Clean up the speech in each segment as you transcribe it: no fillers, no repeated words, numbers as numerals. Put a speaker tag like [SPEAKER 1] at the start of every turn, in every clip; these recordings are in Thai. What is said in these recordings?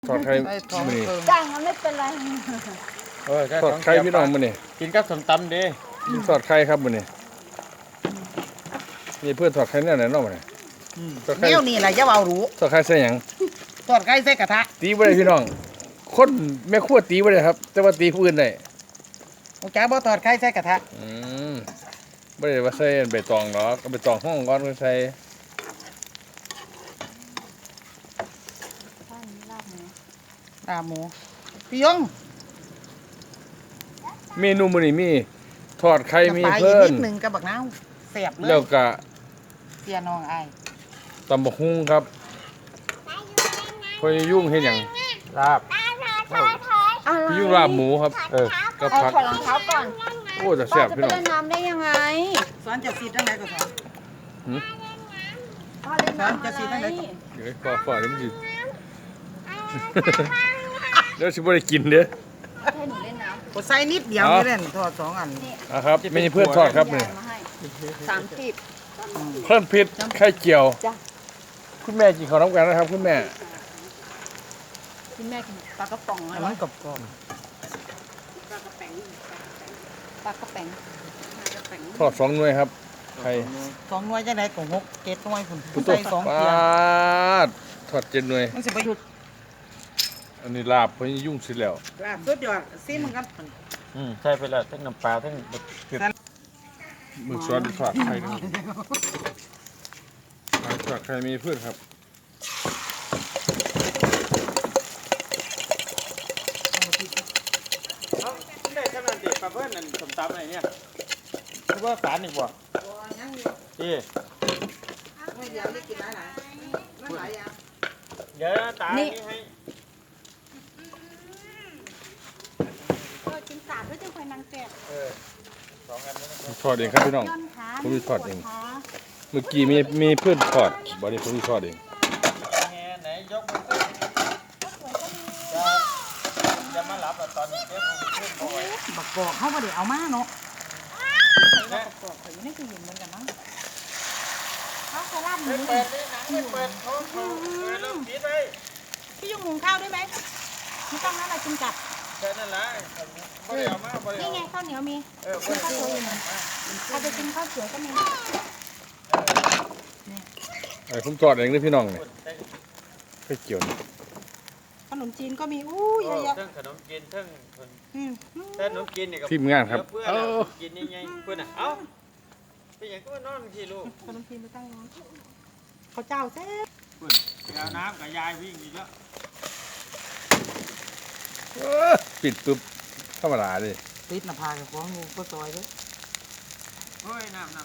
[SPEAKER 1] ทอดไข่มื้อนี้
[SPEAKER 2] จ้างมันไม่เป็นไร
[SPEAKER 1] ทอดไข่พี่น้องมื้อนี้
[SPEAKER 3] กินกับส้มตำดิ
[SPEAKER 1] ทอดไข่ครับมื้อนี้นี่เพื่อนทอดไข่แนวไหนเนาะมื้อนี้ทอดไข่
[SPEAKER 4] แนวนี่แหละอย่าเอารู้
[SPEAKER 1] ทอดไข่ใส่หยัง
[SPEAKER 4] ทอดไก่ใส่กระทะ
[SPEAKER 1] ตีบ่ได้พี่น้องคนแม่ครัวตีบ่ได้ครับ แต่ว่าตีผู้อื่นได้
[SPEAKER 4] โอ้จ้าบ่ทอดไก่ใส่กระทะ
[SPEAKER 1] บ่ได้ว่าใส่ใบตองหรอกเอาใบตองห้องก่อนก็ใส่
[SPEAKER 4] ลาบหมูพี่ยง
[SPEAKER 1] เมนูมื้อนี้มีทอดไข่มี
[SPEAKER 4] ปลาอีก
[SPEAKER 1] เพิ่
[SPEAKER 4] นิ
[SPEAKER 1] น
[SPEAKER 4] ดหนึงกับบักนาวแซ่บเลย
[SPEAKER 1] แล้วก็
[SPEAKER 4] เสียน้องอ้าย
[SPEAKER 1] ตำบักหุ่งครับพอยยุ่งเฮ็ดหยัง
[SPEAKER 3] ลาบ
[SPEAKER 1] พี่ยุ่งลาบหมูครับกับ
[SPEAKER 2] เอา
[SPEAKER 1] ผัก
[SPEAKER 2] ถอดรองเท้าก่อน
[SPEAKER 1] โอ้จะแซ่บ
[SPEAKER 2] จะ
[SPEAKER 1] พี่
[SPEAKER 2] ไป
[SPEAKER 1] น้อง
[SPEAKER 2] เล่นน้ำได้ยังไง
[SPEAKER 4] สอนจะซีดจังไดก็สอน
[SPEAKER 2] พ่อเล่นน้ำ
[SPEAKER 4] จะสีได้ไหม
[SPEAKER 1] เดี๋ยวฝาเดี๋ยวมันสิ เดี๋ยวสิบ่ได้กินเด้อ
[SPEAKER 2] ให้หนูเล่นน้
[SPEAKER 4] ก็ใส่นิดเดียวนี่เล่นทอด2อัน
[SPEAKER 1] อ่ะครับไม่ใช่เพื่อนทอดครับ
[SPEAKER 2] ำ
[SPEAKER 1] นี่
[SPEAKER 2] ยายมาให้30
[SPEAKER 1] เพิ่มพริษไข่เจียว
[SPEAKER 2] จ้ะ
[SPEAKER 1] คุณแม่กินข้าวน้ำกันนะครับ คุณแม่
[SPEAKER 2] คุณแม่กินปลากระป๋อง
[SPEAKER 4] อั
[SPEAKER 2] อะ
[SPEAKER 4] น
[SPEAKER 2] ไร
[SPEAKER 4] นั้นกรอบ
[SPEAKER 2] ปลากระแป๋ง
[SPEAKER 1] ทอด2หน่วยครับไข่
[SPEAKER 4] ๆ2หน่วยจังไดก็6 7หน่วยพุ่น
[SPEAKER 1] ผู้
[SPEAKER 4] ใส่2
[SPEAKER 1] ป
[SPEAKER 4] เทีย
[SPEAKER 1] าดทอด7หน่วย
[SPEAKER 4] มันสิบ่หยุด
[SPEAKER 1] อันนี้ลาบเพิ่นยุ่งสิแล้ว
[SPEAKER 4] ลาบสุดยอดซิมันกัน
[SPEAKER 3] ใช่ไปแล้วทั้งน้ำปลาทั้งเผ็ด
[SPEAKER 1] มึกซอสทอดไข่ด้วยทอดไข่มีเพื่อนครับ
[SPEAKER 3] ได้ขนาดเด็กปลาเพิ่นนั่นส้มตำอะไรเนี่ยคือว่าสารอีกบ่ที่
[SPEAKER 4] ไม่อยากได้กินหลายๆมันหลายอย่าง
[SPEAKER 3] เดี๋ยวตานี่ให้
[SPEAKER 2] กินสาดด้วยจังไฟนางแก่
[SPEAKER 3] 2อันนั้น
[SPEAKER 1] ทอดเองครับพี่น้อง
[SPEAKER 2] ย้อนขา
[SPEAKER 1] ผมจะทอดเอง
[SPEAKER 2] ขา
[SPEAKER 1] เมื่อกี้มีเพื่อนทอดบ่ได้ผมทอดเอง
[SPEAKER 3] แง่ไหนยกมือขึ้นอย่ามาหลับตอนนี้เดี๋ยวผมขึ้นบ่อย
[SPEAKER 4] บักกอกเฮาบ่ได้เอามาเนาะ
[SPEAKER 3] นะ
[SPEAKER 2] ปอกเขาอยู่ในตู้เย็นเหมือนกันมั้งข้าวราดหมู
[SPEAKER 3] เปิดนี่หนังไม่เปิดเขาเริ่มปิดไป
[SPEAKER 2] พี่ยุ่งหุงข้าวด้วยไหมไม่ต้องแล้วอะไรกินกับ
[SPEAKER 3] แค่นั้นแหละบ่ได้เอามาบ่ได้
[SPEAKER 2] นี่
[SPEAKER 3] เอา
[SPEAKER 2] ไงข้าวเหนียวมี
[SPEAKER 3] เปิด
[SPEAKER 2] ข้าวสวยอยู่ใครจะกินข้าวสวยก็มี
[SPEAKER 1] ไอ้ผมทอดเองเลยพี่น้องเนี่ยไข่เจียวนี่
[SPEAKER 2] ขนมจีนก็มีอู้เยอะแยะ
[SPEAKER 3] ทั้งขนมจีนทั้ง
[SPEAKER 2] อืม
[SPEAKER 3] ขนมจีนนี่ก็
[SPEAKER 1] ทีมงานครับ
[SPEAKER 3] เพื่อนกินยังไงเพื่อนอ่ะเอ้าเป็นอย่างก็มานอนที่ลูก
[SPEAKER 2] ขนมจีนไปตั้งร้านข้าวเจ้าแซ่บ
[SPEAKER 3] เพื่อนไปเอาน้ำกับยายวิ่งอีกแล้ว
[SPEAKER 1] ปิดปุ๊บธรรมดาเลย
[SPEAKER 4] ปิดหน้าผากกับของงูก็ซอยเด้อ
[SPEAKER 3] เฮ้ยน้ำ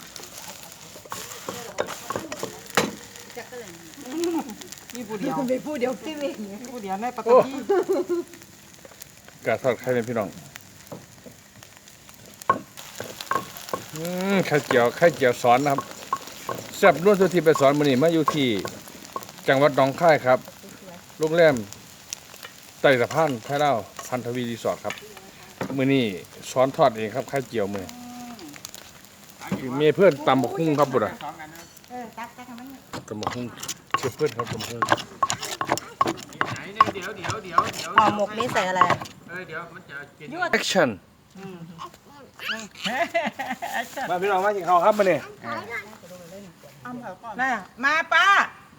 [SPEAKER 4] มีผู้เดียว
[SPEAKER 2] ไปพูดเดี๋ยวพี่เวง
[SPEAKER 4] มีผู้เดียวในปัตตานี
[SPEAKER 1] กาทอดไข่เป็นพี่น้องไข่เจียวสอนนะครับแซ่บนวดสุธีไปสอนมื้อนี้มาอยู่ที่จังหวัดหนองคายครับโรงแรมไต่สะพานไทยลาวพันธวีรีสอร์ทครับมื้อนี้สอนทอดเองครับไข่เจียวมื้อมีเพื่อนตำบักหุ่งครับบุตร
[SPEAKER 3] 2 อันนะ
[SPEAKER 2] ตักทำไม
[SPEAKER 1] ตำบักหุ่งเชื่อเพื่อนครับตำบักหุ่ง
[SPEAKER 3] ไหนเนี่ยเดี๋ยว
[SPEAKER 2] ห่อหมกนี่ใส่อะไร
[SPEAKER 3] เดี๋ยวมันจะกิน
[SPEAKER 1] แอคชั่นมาพี่น้องมากินข้าวครับมื้อนี้
[SPEAKER 4] น่ะมาป้า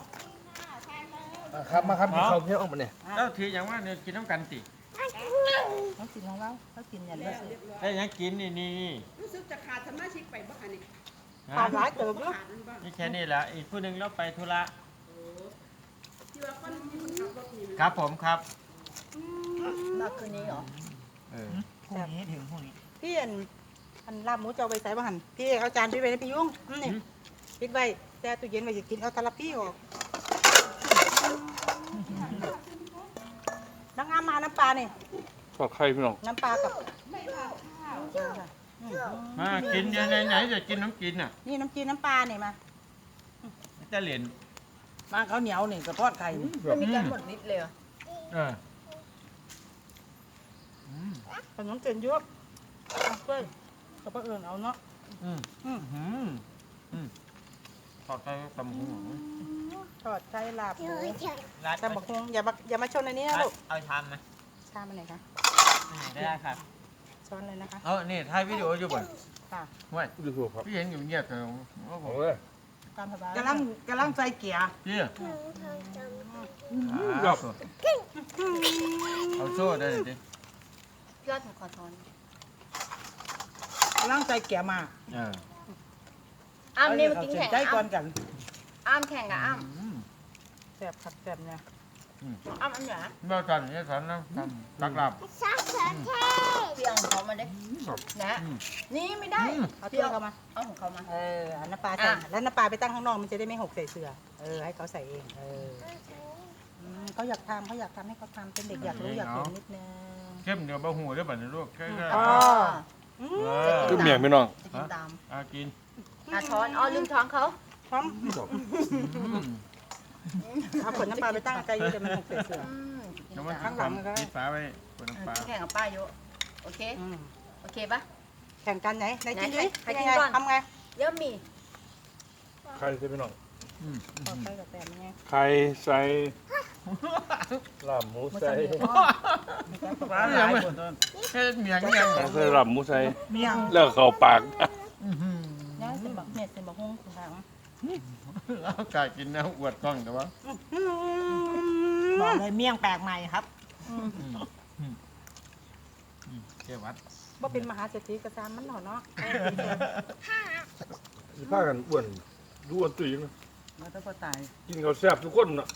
[SPEAKER 1] ครับมาครับกินข้าวเที่ยงมื้อนี้
[SPEAKER 3] แล้วทีอย่างว่าเนี่ยกินน้ำกันติ
[SPEAKER 2] เขากินของเราเขากินอย่างนี้
[SPEAKER 3] ไอ้ยังกินนี่
[SPEAKER 5] รู้สึกจะขาดสมาชิกไปบ้างนี่
[SPEAKER 2] ขาดหลายเติบลูก
[SPEAKER 5] ขาดนั่นบ้าง
[SPEAKER 3] นี่แค่นี้แหละอีกผู้หนึ่งเราไปธุระ
[SPEAKER 5] ที่ว่าคนที่คนขับรถนี่
[SPEAKER 3] ครับผมครับ
[SPEAKER 2] มาคืนนี้เหรอ
[SPEAKER 4] พรุ่งนี้ถึงพรุ่งนี้
[SPEAKER 2] พี่อันลาบหมูจะเอาไปใส่บ้านพี่เอาจานพี่ไปให้พี่ยุ่งนี่ปิดไว้แต่ตู้เย็นไว้จะกินเอาตะลับพี่ออกน้ำงามมาน้ำปลาเนี่ย
[SPEAKER 1] ทอดไข่พี่น้อง
[SPEAKER 2] น้ำปลากับ
[SPEAKER 3] มากินยังไงไหนจะกินน้ำกินอ่ะ
[SPEAKER 2] นี่น้ำจีนน้ำปลาเนี่ยมา
[SPEAKER 3] จะเหรียญ
[SPEAKER 4] มาข้าวเหนียวนี่กับทอดไข่นี่
[SPEAKER 2] ไม่มีการหมดนิดเลย
[SPEAKER 4] ขนมเส้นเยอะเอาเพื่อนกับป้าเอิญเอาเนาะ
[SPEAKER 3] ทอดไข่ตำหู
[SPEAKER 2] ทอดไก่ลาบหมู
[SPEAKER 3] ร้าน
[SPEAKER 2] แต่บักฮวงอย่ามาชนอันนี้นะลูก
[SPEAKER 3] เอาชามไหม
[SPEAKER 2] ชามอันไหนคะ
[SPEAKER 3] ได้ครับ
[SPEAKER 2] ช้อนเลยนะคะ
[SPEAKER 3] เอานี่ถ่ายวิดีโออยู่บ่
[SPEAKER 2] ค่ะ
[SPEAKER 3] ไม่
[SPEAKER 1] ดูถูกครับ
[SPEAKER 3] พี่เห็นอยู่เงียบแต่ว่าผม
[SPEAKER 1] โอ้ย
[SPEAKER 2] ตามสบาย
[SPEAKER 4] กำลังใส่เกียร์
[SPEAKER 3] พี่
[SPEAKER 1] ครับ
[SPEAKER 3] เอาโซ่ได้ดิ
[SPEAKER 5] ยอดขอทอน
[SPEAKER 4] กำลังใส่เกียร์มา
[SPEAKER 5] อ้ามนี่มากินแข่ง
[SPEAKER 4] ใจก่อนกัน
[SPEAKER 5] อ้ามแข่งกับอ้าม
[SPEAKER 2] แซ่บผักแซ่บเนี่ย
[SPEAKER 5] อ้ามอันไหน
[SPEAKER 3] เมื่อกันนี่สอนนะตักหลับ
[SPEAKER 5] เพี่เอาของเขามาดินะนี่ไม่ได้
[SPEAKER 2] เอาถ้วยเข้ามา
[SPEAKER 5] เอาของเขามา
[SPEAKER 2] เอาน้ำปลาใส่แล้วน้ำปลาไปตั้งข้างนอกมันจะได้ไม่หกใส่เสือให้เขาใส่เองเขาอยากทำให้เขาทำเป็นเด็กอยากรู้อยากเห็นนิดนึง
[SPEAKER 3] เข้มเดี๋ยวบะหูได้บัดนี้ลูกแค่
[SPEAKER 1] คือเมียงพี่น้อง
[SPEAKER 5] จะกินตาม
[SPEAKER 3] กิน
[SPEAKER 5] ช้อนอ๋อลืมช้อนเขา
[SPEAKER 2] พร้อมเอาขวดน้ำปลาไปตั้งไกลอยู่แต่มันหกใส่เสือ
[SPEAKER 3] แล้วมันข้างหลังปิดฝาไว้บนน้ำปลา
[SPEAKER 5] แข่งกับป้าเยอะโอเคโอเคปะ
[SPEAKER 2] แข่งกันไหนกินดิ
[SPEAKER 5] ใครกินก่อน
[SPEAKER 2] ทำไง
[SPEAKER 5] เยอะมี
[SPEAKER 1] ใครใส่พี่น้อง
[SPEAKER 2] ขอใส่กับแซ่บไง
[SPEAKER 1] ใครใส่ลาบหมูใส่
[SPEAKER 4] ปลาหลายคนต้น
[SPEAKER 3] แค่เมียงยัง
[SPEAKER 1] ใส่ลาบหมูใส่
[SPEAKER 4] เมียง
[SPEAKER 1] แล้วเข้าปาก
[SPEAKER 2] ย่างเส้นบักเม็ดเส้นบักฮุ้งคุณทาง
[SPEAKER 3] กล้ากินนะอวดกล้องแต่ว่า
[SPEAKER 4] บอกเลยเมียงแปลกใหม่ครับ
[SPEAKER 3] เกี่ยวัด
[SPEAKER 2] ว่าเป็นมหาเศรษฐีกระซามมันหน่อเนาะ
[SPEAKER 1] สิพากันอ้วนดูอ้วนตุ้ยนะ
[SPEAKER 4] มาต้องพอตาย
[SPEAKER 1] กินข้าวแซ่บทุกคนน่ะ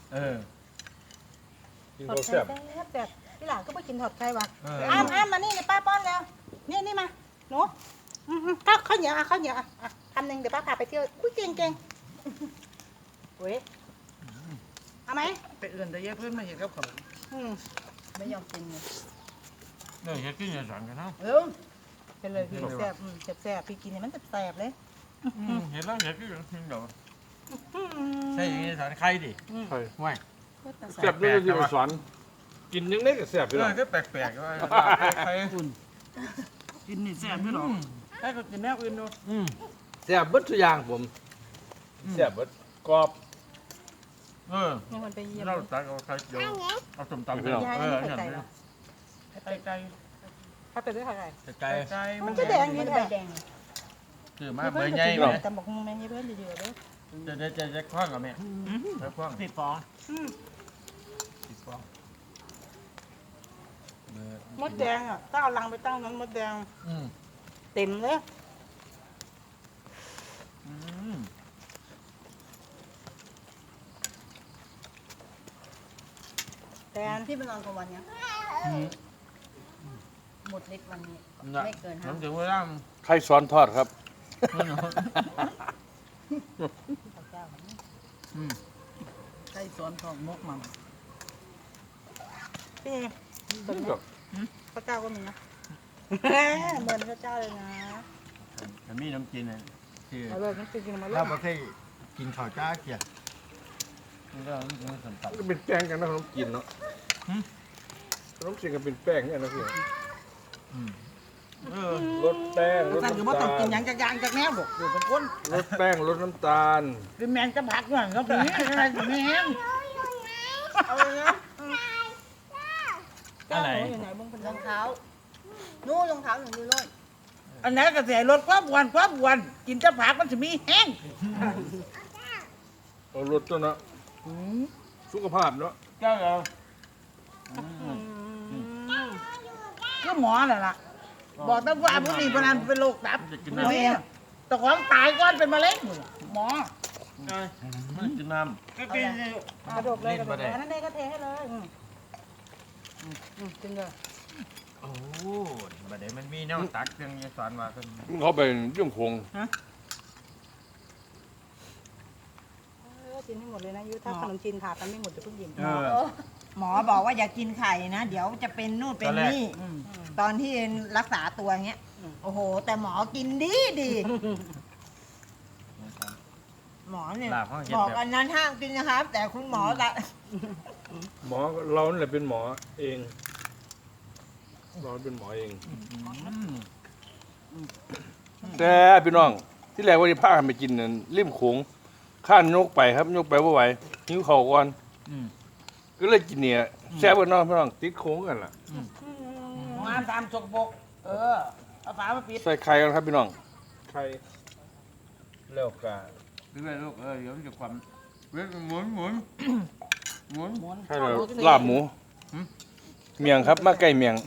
[SPEAKER 1] กิน
[SPEAKER 2] ถอด
[SPEAKER 1] ข้าว
[SPEAKER 2] ไข่
[SPEAKER 1] แซ่บ
[SPEAKER 2] แซ่บพี่หลานก็ไปกินถอดไข่ว่ะ
[SPEAKER 3] เ
[SPEAKER 2] อ้ามมานี่เดี๋ยวป้าป้อนแล้วนี่มาหนูข้าวเหนียวข้าวเหนียวทำหนึ่งเดี๋ยวป้าพาไปเที่ยวอุ้ยเก่งเว้ยเอาไหม
[SPEAKER 4] ไปเอื่นแต่เยอะเพื่อนมาเห็นกับเขา
[SPEAKER 5] ไม่ยอมกินเลย
[SPEAKER 3] เนี่ยเฮ็ดกินอย่าสั่งกันเนาะ
[SPEAKER 2] เป็นเลยพี่แซ่บแซ่บพี่กินเนี่ยมันแซ่บเลย
[SPEAKER 3] เห็นแล้วเฮ็ดกินเดี๋ยวใช่อย่างนี้สอนใครดิ
[SPEAKER 1] ใช่
[SPEAKER 3] ไม่
[SPEAKER 1] แซ่บด้วยที่มาสอนกินยังได้ก็แซ่บพี่น้อง
[SPEAKER 3] ก็แปลกๆว่าใคร
[SPEAKER 4] กินนี่แซ่บไม่หรอกให้เขากินแนวอื่นดู
[SPEAKER 1] แซ่บเบิดทุกอย่างผมแซ่บเบิดกรอบ
[SPEAKER 2] มีคนไปเยี่ยม
[SPEAKER 3] เราตักเอาใครเดี๋ยวเอาส้มตำ
[SPEAKER 2] ยายไม่ใส่ใจหรอ
[SPEAKER 4] ไก่ไก่
[SPEAKER 2] ถ้าเป็นด้วยอะไร
[SPEAKER 3] ไก่
[SPEAKER 4] ไก่
[SPEAKER 2] มันจะแดง
[SPEAKER 5] มั
[SPEAKER 2] นี่
[SPEAKER 5] น
[SPEAKER 2] แห
[SPEAKER 5] ใบ
[SPEAKER 2] ละ
[SPEAKER 5] แดง
[SPEAKER 3] คือมาเบอร์ใหญ่ไหม
[SPEAKER 2] แต่บอกแม่เพื่อนเยอะๆเลย
[SPEAKER 3] จะคว้างกับแม่จะคว้าง
[SPEAKER 4] ผิดฟอง
[SPEAKER 2] มดแดงอ่ะถ้าเอาลังไปตั้งนั้นมดแดงเต็มเลยแตน
[SPEAKER 5] พี่ไปนอนกลางวันยังหมดฤทธิ์วันนี้ไม่เกิน
[SPEAKER 3] ผม
[SPEAKER 5] 5
[SPEAKER 3] ถึงเวลา
[SPEAKER 1] ใครสอนทอดครับ
[SPEAKER 4] ไก่สวนของมกมัน
[SPEAKER 2] พี่ตัวนี้พระเจ้าก็มีนะเหมือนพระเจ้าเลยนะ
[SPEAKER 3] แต่มีน้ำกินเลยคือ
[SPEAKER 2] เอาเลยมันกินมาเล
[SPEAKER 3] ถ้าย ประเทศกินข้าวจ้าเกียร์มันก็มันสัมผัส
[SPEAKER 1] ก็เป็นแป้งกันนะขนมกินเนาะขนมจีนก็เป็นแป้งเนี่ยนะพี่ลดแป้งลด
[SPEAKER 4] ท่านคือ
[SPEAKER 1] น้ำ
[SPEAKER 4] ว่า
[SPEAKER 1] ตา
[SPEAKER 4] ต้องกิน
[SPEAKER 1] ล
[SPEAKER 4] อย่างจากอย่างจากแนวบอกอยู่เป็นคน
[SPEAKER 1] ลดแป้งลดน้ำตาล
[SPEAKER 4] เป็นแมงจะผักก่อนก็เป็นอะไรแมง
[SPEAKER 2] เอาเลยนะ
[SPEAKER 3] อะไร
[SPEAKER 2] อยู่ไหนบ้างเป็น
[SPEAKER 5] รองเท้านู่นรองเท้าหนูดูโน่น
[SPEAKER 4] อันนั้นก็เสียลดความอ้วนกินจะผักมันจะมีแห้ง
[SPEAKER 1] เอาลดตัวเนาะสุขภาพเนาะ
[SPEAKER 3] เจ้าเรา
[SPEAKER 4] ก็หมอแหละล่ะบอกตั้งว่าผู้นี้พนันเป็นโรคตับนี่แต่ของตายก้อนเป็นมะเร็งหมอ
[SPEAKER 3] มันกินน้
[SPEAKER 4] ก็กิน
[SPEAKER 2] กระโดดเลยกระโดดเลยอันนั้นเองก็เทให้เลยกินเลย
[SPEAKER 3] ำโอ้บัดเดี๋ยวมันมีแนวตักเรื่องนี้สอนมากัน
[SPEAKER 1] เขาไปเรื่องคง
[SPEAKER 2] กินให้หมดเลยนะยูถ้าขนมจีนถาดมันไม่หมดจะเพิ่งยิน
[SPEAKER 6] หมอบอกว่าอย่ากินไข่นะ เดี๋ยวจะเป็นนู่นเป็นนี่ตอนที่รักษาตัวเงี้ย โอ้โห แต่หมอกินดี หมอเนี่ย
[SPEAKER 3] ลาบเขาเห็น
[SPEAKER 6] บอก
[SPEAKER 3] แบบ
[SPEAKER 6] อันนั้นห้ามกินนะครับ แต่คุณหมอละ
[SPEAKER 1] หมอเราเนี่ยเป็นหมอเองเราเป็นหมอเองแต่พี่น้องที่แรกว่าจะพากันไปกินนั่นริมโขงข้านยกไปครับยกไปบ่ไหวหิวข้าวก่อน
[SPEAKER 3] อืม
[SPEAKER 1] ก็เลยกินเนี่ยแซ่บกว่าน้องพี่น้องติดโค้งกันล่ะ
[SPEAKER 4] งานตามจกบกเอาฝามาปิด
[SPEAKER 1] ใส่ไข่กันครับพี่น้อง
[SPEAKER 3] ใครแล้วกาเรื่อยๆลูกเดี๋ยวมันจะความเว้ยหมุนหมุนหมุน
[SPEAKER 1] ใช่เลยลาบหมูเมียงครับมาไก่เมียง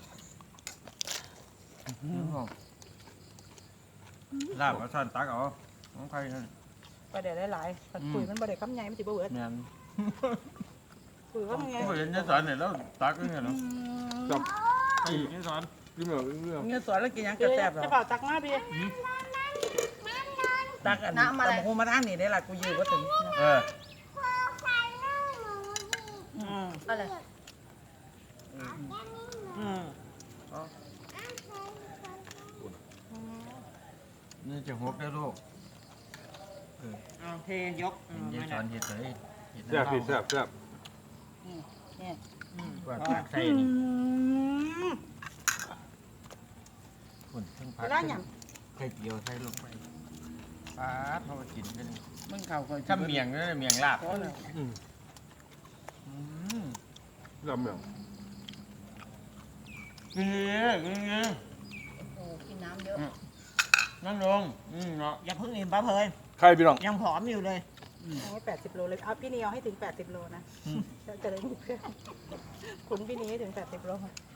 [SPEAKER 3] ลาบเอาซ่อนตักเอาของใครนั่น
[SPEAKER 2] ไปเดี๋ยวหลายๆมันคุยมันบ่ได้คำใหญ่มันสิบ่เบิด
[SPEAKER 3] แม่น
[SPEAKER 2] คุยคำใหญ่
[SPEAKER 3] ผมเห็นเนี่ยสอนเนี่ยแล้วตักเนี่ยเนาะ
[SPEAKER 1] จับ
[SPEAKER 3] ไอ้เนี่ยสอน
[SPEAKER 1] พี่เมียงเรื่อง
[SPEAKER 4] เงี้ยสวนแล้วกินหยังก
[SPEAKER 2] เดี๋
[SPEAKER 4] ระ
[SPEAKER 2] ยว
[SPEAKER 4] แซบหรอ
[SPEAKER 2] จะเป่าตักมาพี่
[SPEAKER 4] ตักอันน้ำอะไรกูมาทางนี้ได้ละกูยืมก็ถึง
[SPEAKER 3] เออ
[SPEAKER 5] อะไร
[SPEAKER 3] นี่จะหกได้ลูก
[SPEAKER 4] เทยก
[SPEAKER 3] เห็นยายสอนเห็ดเลยเห็ด
[SPEAKER 1] แซ่บพี่แซ่บแซ่บ
[SPEAKER 3] ว่าตักใส่นี่คนทั้งพัก
[SPEAKER 2] แล้วหยัง
[SPEAKER 3] ไข่เจียวใส่ลงไปปาดเขามากินกัน
[SPEAKER 4] มึงเข่าก่อน
[SPEAKER 3] ถ้าเมียงนั่นเมียงลาบ
[SPEAKER 1] ลาบเมียง
[SPEAKER 3] กินเลยกินเลย
[SPEAKER 5] โอ้กินน้ำเยอะ
[SPEAKER 3] นั่งลงเนาะ
[SPEAKER 6] อย่าเพิ่งอิ่มป้าเพลิน
[SPEAKER 1] ไข่พี่น้อง
[SPEAKER 6] ยังผอมอยู่เลย
[SPEAKER 2] ให้80 โลเลยเอาพี่นี่เอาให้ถึง80 โลนะจะได้มีเพื่อนขุนพี่นี่ให้ถึง80 โล